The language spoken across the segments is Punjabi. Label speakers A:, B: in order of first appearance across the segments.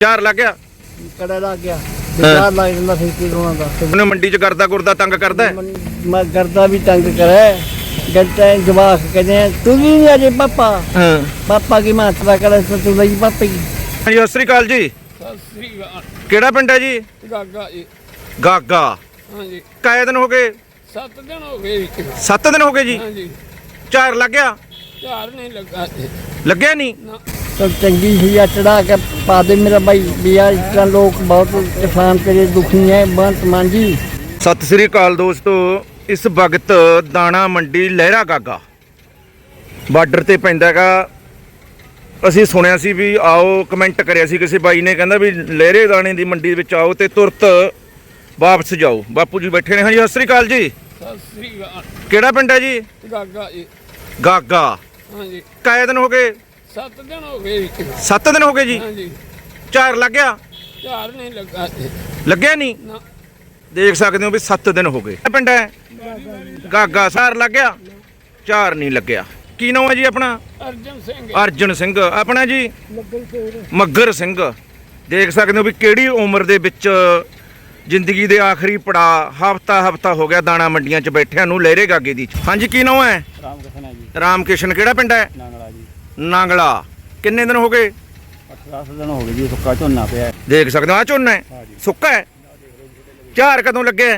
A: 4 ਲੱਗ ਗਿਆ
B: ਕੜਾ ਲੱਗ ਗਿਆ 4 ਲੱਗ ਜਾਂਦਾ ਫਿਰ ਕੀ ਰੋਣਾ ਦਾ
A: ਉਹਨੇ ਮੰਡੀ ਚ ਕਰਦਾ ਗੁਰਦਾ ਤੰਗ ਕਰਦਾ ਹੈ?
B: ਮੈਂ ਕਰਦਾ ਵੀ ਤੰਗ ਕਰੇ ਗੱਟੇ ਜਵਾਕ ਕਹਿੰਦੇ ਤੂੰ ਵੀ ਨਹੀਂ ਅਜੇ ਪਾਪਾ
A: ਹਾਂ
B: ਪਾਪਾ ਕੀ ਮਾਤਰਾ ਕਰੇ ਤੂੰ ਲਈ ਪਾਪਾ ਜੀ।
A: ਹਾਂਜੀ ਸਤਿ ਸ੍ਰੀ ਅਕਾਲ ਜੀ।
C: ਸਤਿ ਸ੍ਰੀ ਅਕਾਲ।
A: ਕਿਹੜਾ ਪਿੰਡ ਹੈ ਜੀ?
C: ਗਾਗਾ ਜੀ।
A: ਗਾਗਾ।
C: ਹਾਂਜੀ
A: ਕਾਏ ਦਿਨ ਹੋ ਗਏ?
C: 7 ਦਿਨ ਹੋ ਗਏ ਜੀ।
A: 7 ਦਿਨ ਹੋ ਗਏ ਜੀ।
C: ਹਾਂਜੀ
A: 4 ਲੱਗ ਗਿਆ?
C: 4 ਨਹੀਂ ਲੱਗਾ ਜੀ।
A: ਲੱਗਿਆ ਨਹੀਂ?
C: ਨਾ
B: तो चंगी हुई चढ़ा के पा दे मेरा भाई भैया इस तरह लोग बहुत किसान तेरे दुखी हैं बंत मांझी।
A: ਸਤਿ ਸ੍ਰੀ ਅਕਾਲ ਦੋਸਤੋ, ਇਸ ਵਕਤ ਦਾਣਾ ਮੰਡੀ ਲਹਿਰਾ ਗਾਗਾ ਬਾਰਡਰ ਤੇ ਪੈਂਦਾ ਹੈਗਾ। ਅਸੀਂ ਸੁਣਿਆ ਸੀ ਵੀ ਆਓ, ਕਮੈਂਟ ਕਰਿਆ ਸੀ ਕਿਸੇ ਬਾਈ ਨੇ, ਕਹਿੰਦਾ ਵੀ ਲਹਿਰੇ ਦਾਣੇ ਦੀ ਮੰਡੀ ਵਿੱਚ ਆਓ ਤੇ ਤੁਰਤ ਵਾਪਸ ਜਾਓ। ਬਾਪੂ ਜੀ ਬੈਠੇ ਨੇ। ਹਾਂਜੀ ਸਤਿ ਸ੍ਰੀ ਅਕਾਲ ਜੀ।
C: ਸਤਿ ਸ੍ਰੀ ਅਕਾਲ।
A: ਕਿਹੜਾ ਪਿੰਡ ਹੈ ਜੀ?
C: ਗਾਗਾ ਜੀ।
A: ਗਾਗਾ।
C: ਹਾਂਜੀ
A: ਕਾਏ ਦਿਨ ਹੋ ਗਏ?
C: 7 ਦਿਨ ਹੋ ਗਏ ਜੀ।
A: 7 ਦਿਨ ਹੋ ਗਏ ਜੀ।
C: ਹਾਂਜੀ
A: 4 ਲੱਗ ਗਿਆ?
C: 4 ਨਹੀਂ ਲੱਗਾ ਜੀ।
A: ਲੱਗਿਆ ਨਹੀਂ?
C: ਨਾ
A: ਦੇਖ ਸਕਦੇ ਹੋ ਵੀ 7 ਦਿਨ ਹੋ ਗਏ। ਪਿੰਡ ਹੈ ਗਾਗਾ। 4 ਲੱਗ ਗਿਆ? 4 ਨਹੀਂ ਲੱਗਿਆ। ਕੀ ਨਾਮ ਹੈ ਜੀ ਆਪਣਾ?
C: ਅਰਜਨ ਸਿੰਘ।
A: ਅਰਜਨ ਸਿੰਘ। ਆਪਣਾ ਜੀ ਮੱਗਰ ਸਿੰਘ। ਦੇਖ ਸਕਦੇ ਹੋ ਵੀ ਕਿਹੜੀ ਉਮਰ ਦੇ ਵਿੱਚ ਜ਼ਿੰਦਗੀ ਦੇ ਆਖਰੀ ਪੜਾ ਹਫਤਾ ਹੋ ਗਿਆ ਦਾਣਾ ਮੰਡੀਆਂ 'ਚ ਬੈਠਿਆਂ ਨੂੰ ਲਹਿਰੇ ਗਾਗੇ ਦੀ। ਹਾਂਜੀ ਕੀ ਨਾਮ ਹੈ?
B: रामकृष्ण है जी
A: ਰਾਮ ਕਿਸ਼ਨ। ਕਿਹੜਾ ਪਿੰਡ ਹੈ?
B: नांगला जी
A: ਨਾਂਗਲਾ। ਕਿੰਨੇ ਦਿਨ ਹੋ ਗਏ?
B: 10 दिन हो गए जी सुक्का झोना पे है।
A: ਦੇਖ ਸਕਦੇ ਹੋ ਆ ਝੋਨਾ ਹੈ ਸੁੱਕਾ ਹੈ। 4 ਕਦੋਂ ਲੱਗਿਆ?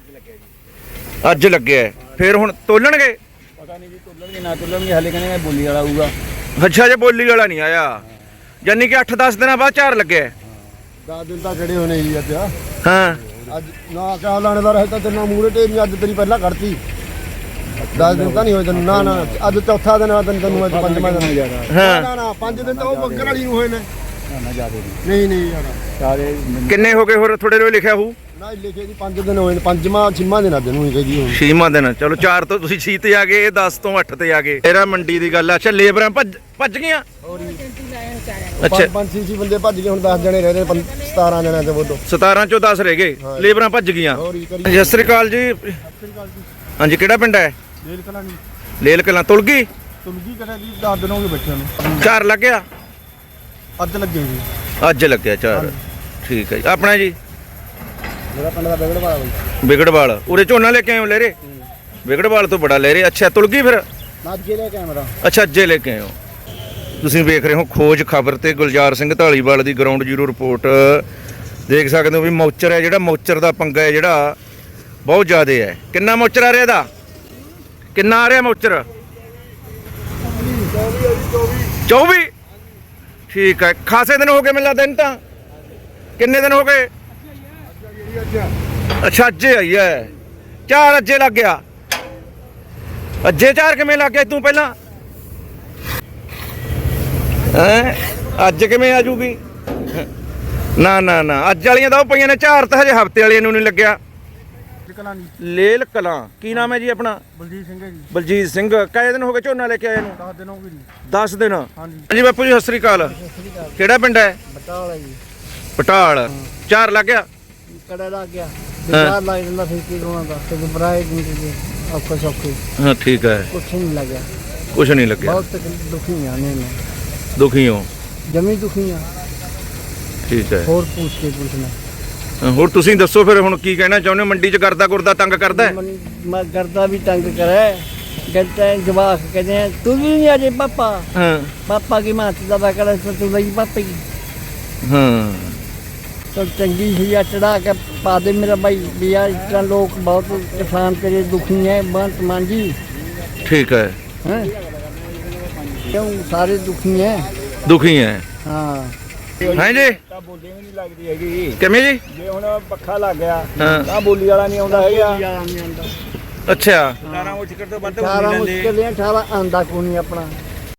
A: ਅੱਜ ਲੱਗਿਆ ਹੈ। ਫਿਰ ਹੁਣ ਤੋਲਣਗੇ?
B: पता नहीं जी तुलन ना तुलन हाले कहने बोली वाला होगा।
A: ਅੱਛਾ ਜੇ ਬੋਲੀ ਵਾਲਾ ਨਹੀਂ ਆਇਆ, ਯਾਨੀ ਕਿ 8-10 ਦਿਨਾਂ ਬਾਅਦ 4 ਲੱਗਿਆ ਹੈ।
D: 10 ਦਿਨ ਤਾਂ ਖੜੇ ਹੋਣੇ ਜੀ ਅੱਜ।
A: ਹਾਂ
D: ਅੱਜ ਨਾ ਕਿਆ ਲਾਣੇਦਾਰ ਹੈ ਤਾਂ ਤੇਰੇ ਮੂਹਰੇ ਢੇਰੀ ਅੱਜ ਤੇਰੀ ਪਹਿਲਾਂ ਕੱਢਤੀ। 10 ਦਿਨ ਤਾਂ ਨਹੀਂ ਹੋਏ ਤੈਨੂੰ। ਨਾ ਨਾ ਅੱਜ ਚੌਥਾ ਦਿਨ ਆ ਤੈਨੂੰ ਅੱਜ ਪੰਜਵਾਂ ਦਿਨ ਹੋ
A: ਹਾਂ।
D: ਨਾ ਨਾ 5 ਦਿਨ ਤਾਂ ਉਹ ਬੱਕਰ ਵਾਲੀ ਨੂੰ ਹੋਏ ਨੇ।
B: ना ज्यादा
D: ਨਹੀਂ ਨਹੀਂ ਯਾਰ
B: सारे
A: ਕਿੰਨੇ ਹੋ ਗਏ ਹੋਰ? ਥੋੜੇ ਰੋ ਲਿਖਿਆ ਹੋਊ।
D: ਨਾ ਲਿਖੇ ਜੀ 5 ਦਿਨ ਹੋਏ ਨੇ। ਪੰਜਵਾਂ ਛੇਵਾਂ ਦਿਨ ਅੱਜ ਨੂੰ ਹੀ ਕਹੀ ਹੁਣ।
A: 6ਵਾਂ ਦਿਨ। ਚਲੋ 4 ਤੋਂ ਤੁਸੀਂ 6 ਤੇ ਆ ਗਏ, ਇਹ 10 ਤੋਂ 8 ਤੇ ਆ ਗਏ। ਤੇਰਾ ਮੰਡੀ ਦੀ ਗੱਲ ਆ। ਅੱਛਾ ਲੇਬਰਾਂ ਭੱਜ ਗਈਆਂ? ਅੱਛਾ
D: ਪੰਜ ਛੇ ਬੰਦੇ ਭੱਜ ਗਏ। ਹੁਣ 10 ਜਣੇ ਰਹਿ ਗਏ 17 ਜਣਿਆਂ ਤੇ ਬੋਲੋ।
A: 17 ਚੋਂ 10 ਰਹਿ ਗਏ। ਲੇਬਰਾਂ ਭੱਜ ਗਈਆਂ।
D: ਹੋਰ ਹੀ ਕਰੀ
A: ਸਤਿ ਸ੍ਰੀ ਅਕਾਲ ਜੀ। ਹਾਂਜੀ ਕਿਹੜਾ ਪਿੰਡ ਹੈ?
D: ਲੇਲ ਕਲਾਂ ਨਹੀਂ
A: ਲੇਲ ਕਲਾਂ। ਤੁਲ ਗਈ?
D: ਤੁਲਗੀ ਕਰਿਆ ਜੀ 10 ਦਿਨ ਹੋ ਗਏ ਬੱਚਿਆਂ ਨੂੰ।
A: 4 ਲੱਗ ਗਿਆ?
D: ਅੱਜ ਲੱਗੇ ਜੀ।
A: ਅੱਜ ਲੱਗਿਆ 4। ਠੀਕ ਹੈ ਜੀ। ਆਪਣਾ ਜੀ
D: ਮੇਰਾ ਪਿੰਡ ਦਾ ਬਗੜ ਵਾਲਾ ਬਾਈ।
A: ਵਿਗੜਵਾਲ। ਉਰੇ ਝੋਨਾ ਲੈ ਕੇ ਆਏ ਹੋ ਲਹਿਰੇ? ਵਿਗੜਵਾਲ ਤੋਂ ਬੜਾ ਲਹਿਰੇ। ਅੱਛਾ ਤੁਲ ਗਈ ਫਿਰ?
D: ਨਾਜੇ ਲੈ ਕੈਮਰਾ।
A: ਅੱਛਾ ਅੱਜੇ ਲੈ ਕੇ ਆਏ ਹੋ। ਤੁਸੀਂ ਵੇਖ ਰਹੇ ਹੋ ਖੋਜ ਖਬਰ ਤੇ ਗੁਲਜ਼ਾਰ ਸਿੰਘ ਢਾਲੀਵਾਲ ਦੀ ਗਰਾਊਂਡ ਜ਼ੀਰੋ ਰਿਪੋਰਟ। ਦੇਖ ਸਕਦੇ ਹੋ ਵੀ ਮੌਚਰ ਹੈ ਜਿਹੜਾ, ਮੌਚਰ ਦਾ ਪੰਗਾ ਹੈ ਜਿਹੜਾ ਬਹੁਤ ਜ਼ਿਆਦਾ ਹੈ। ਕਿੰਨਾ ਮੌਚਰ ਆ ਰਿਹਾ ਇਹਦਾ? ਕਿੰਨਾ ਆ ਰਿਹਾ ਮੌਚਰ? 24। ਠੀਕ ਹੈ। ਖਾਸੇ ਦਿਨ ਹੋ ਗਏ ਮੈਨੂੰ ਲੱਗਦਾ। ਤਾਂ ਕਿੰਨੇ ਦਿਨ ਹੋ ਗਏ? ਅੱਛਾ ਅੱਜੇ ਆਈ ਹੈ 4। ਅੱਜੇ ਲੱਗ ਗਿਆ? ਅੱਜੇ 4 ਕਿਵੇਂ ਲੱਗ ਗਿਆ ਤੂੰ ਪਹਿਲਾਂ? ਹੈਂ ਅੱਜ ਕਿਵੇਂ ਆ ਜੂਗੀ? ਨਾ ਨਾ ਨਾ ਅੱਜ ਵਾਲੀਆਂ ਤਾਂ ਉਹ ਪਈਆਂ ਨੇ। 4 ਤਾਂ ਹਜੇ ਹਫਤੇ ਵਾਲੀਆਂ ਨੂੰ ਨਹੀਂ ਲੱਗਿਆ।
D: ਕਲਾਂ ਜੀ
A: ਲੇਲ ਕਲਾਂ। ਕੀ ਨਾਮ ਹੈ ਜੀ ਆਪਣਾ?
D: ਬਲਜੀਤ ਸਿੰਘ ਹੈ ਜੀ।
A: ਬਲਜੀਤ ਸਿੰਘ। ਕਾਏ ਦਿਨ ਹੋ ਗਏ ਝੋਨਾ ਲੈ ਕੇ ਆਏ ਨੂੰ?
D: 10 ਦਿਨ ਹੋ ਗਏ ਜੀ।
A: 10 ਦਿਨ।
D: ਹਾਂਜੀ
A: ਹਾਂਜੀ ਬਾਪੂ ਜੀ ਸਤਿ ਸ੍ਰੀ ਅਕਾਲ। ਕਿਹੜਾ ਪਿੰਡ ਹੈ?
B: बटाला जी
A: ਪਟਾਲ। 4 ਲੱਗ ਗਿਆ?
B: कड़ा लग गया
A: हाँ।
B: 4 लग ਜਾਂਦਾ ਫਿਰ ਕੀ ਰੋਣਾ ਦਾ ਤੇ ਬਰਾਏ ਜਿੰਦਗੀ ਔਖੇ ਸੌਖੇ
A: ਹਾਂ ਠੀਕ ਹੈ।
B: ਕੁਛ ਨਹੀਂ ਲੱਗਿਆ।
A: ਕੁਛ ਨਹੀਂ ਲੱਗਿਆ।
B: ਬਹੁਤ ਤਕਲੀਫ ਦੁਖੀ ਆ ਨੇ
A: ਦੁਖੀ ਹੋ?
B: ਜਮੀ ਦੁਖੀ ਆ।
A: ਠੀਕ ਹੈ।
B: ਹੋਰ ਪੁੱਛ ਕੇ ਪੁੱਛਣਾ
A: ਹੋਰ ਤੁਸੀਂ ਦੱਸੋ ਫਿਰ ਹੁਣ ਕੀ ਕਹਿਣਾ ਚਾਹੁੰਦੇ ਹੋ? ਮੰਡੀ 'ਚ ਕਰਦਾ ਗੁਰਦਾ ਤੰਗ ਕਰਦਾ ਹੈ?
B: ਮੈਂ ਕਰਦਾ ਵੀ ਤੰਗ ਕਰੇ ਗੱਟੇ ਜਵਾਕ ਕਹਿੰਦੇ ਤੂੰ ਵੀ ਨਹੀਂ ਅਜੇ ਪਾਪਾ
A: ਹਾਂ
B: ਪਾਪਾ ਕੀ ਮਾਤਰਾ ਦਾ ਕਰੇ ਤੂੰ ਲਈ ਪਾਪਾ ਜੀ।
A: ਹਾਂ
B: तो चंगी हुई चढ़ा के पा दे मेरा भाई भैया इस तरह लोग बहुत किसान तेरे दुखी हैं बंत मांझी।
A: ठीक है।
B: हैं क्यों सारे दुखी हैं?
A: दुखी हैं।
B: हाँ
A: हैं जी?
D: ਤਾਂ ਬੋਲੀ ਵੀ ਨਹੀਂ ਲੱਗਦੀ ਹੈਗੀ।
A: किवें जी?
D: ਜੇ ਹੁਣ ਪੱਖਾ ਲੱਗ ਗਿਆ
A: हाँ
D: ਤਾਂ ਬੋਲੀ ਵਾਲਾ ਨਹੀਂ ਆਉਂਦਾ ਹੈਗਾ।
A: अच्छा।
D: 18 ਮੁਸ਼ਕਲ ਤੋਂ ਵੱਧ
B: 18 मुश्किल 18 आंदा को नहीं अपना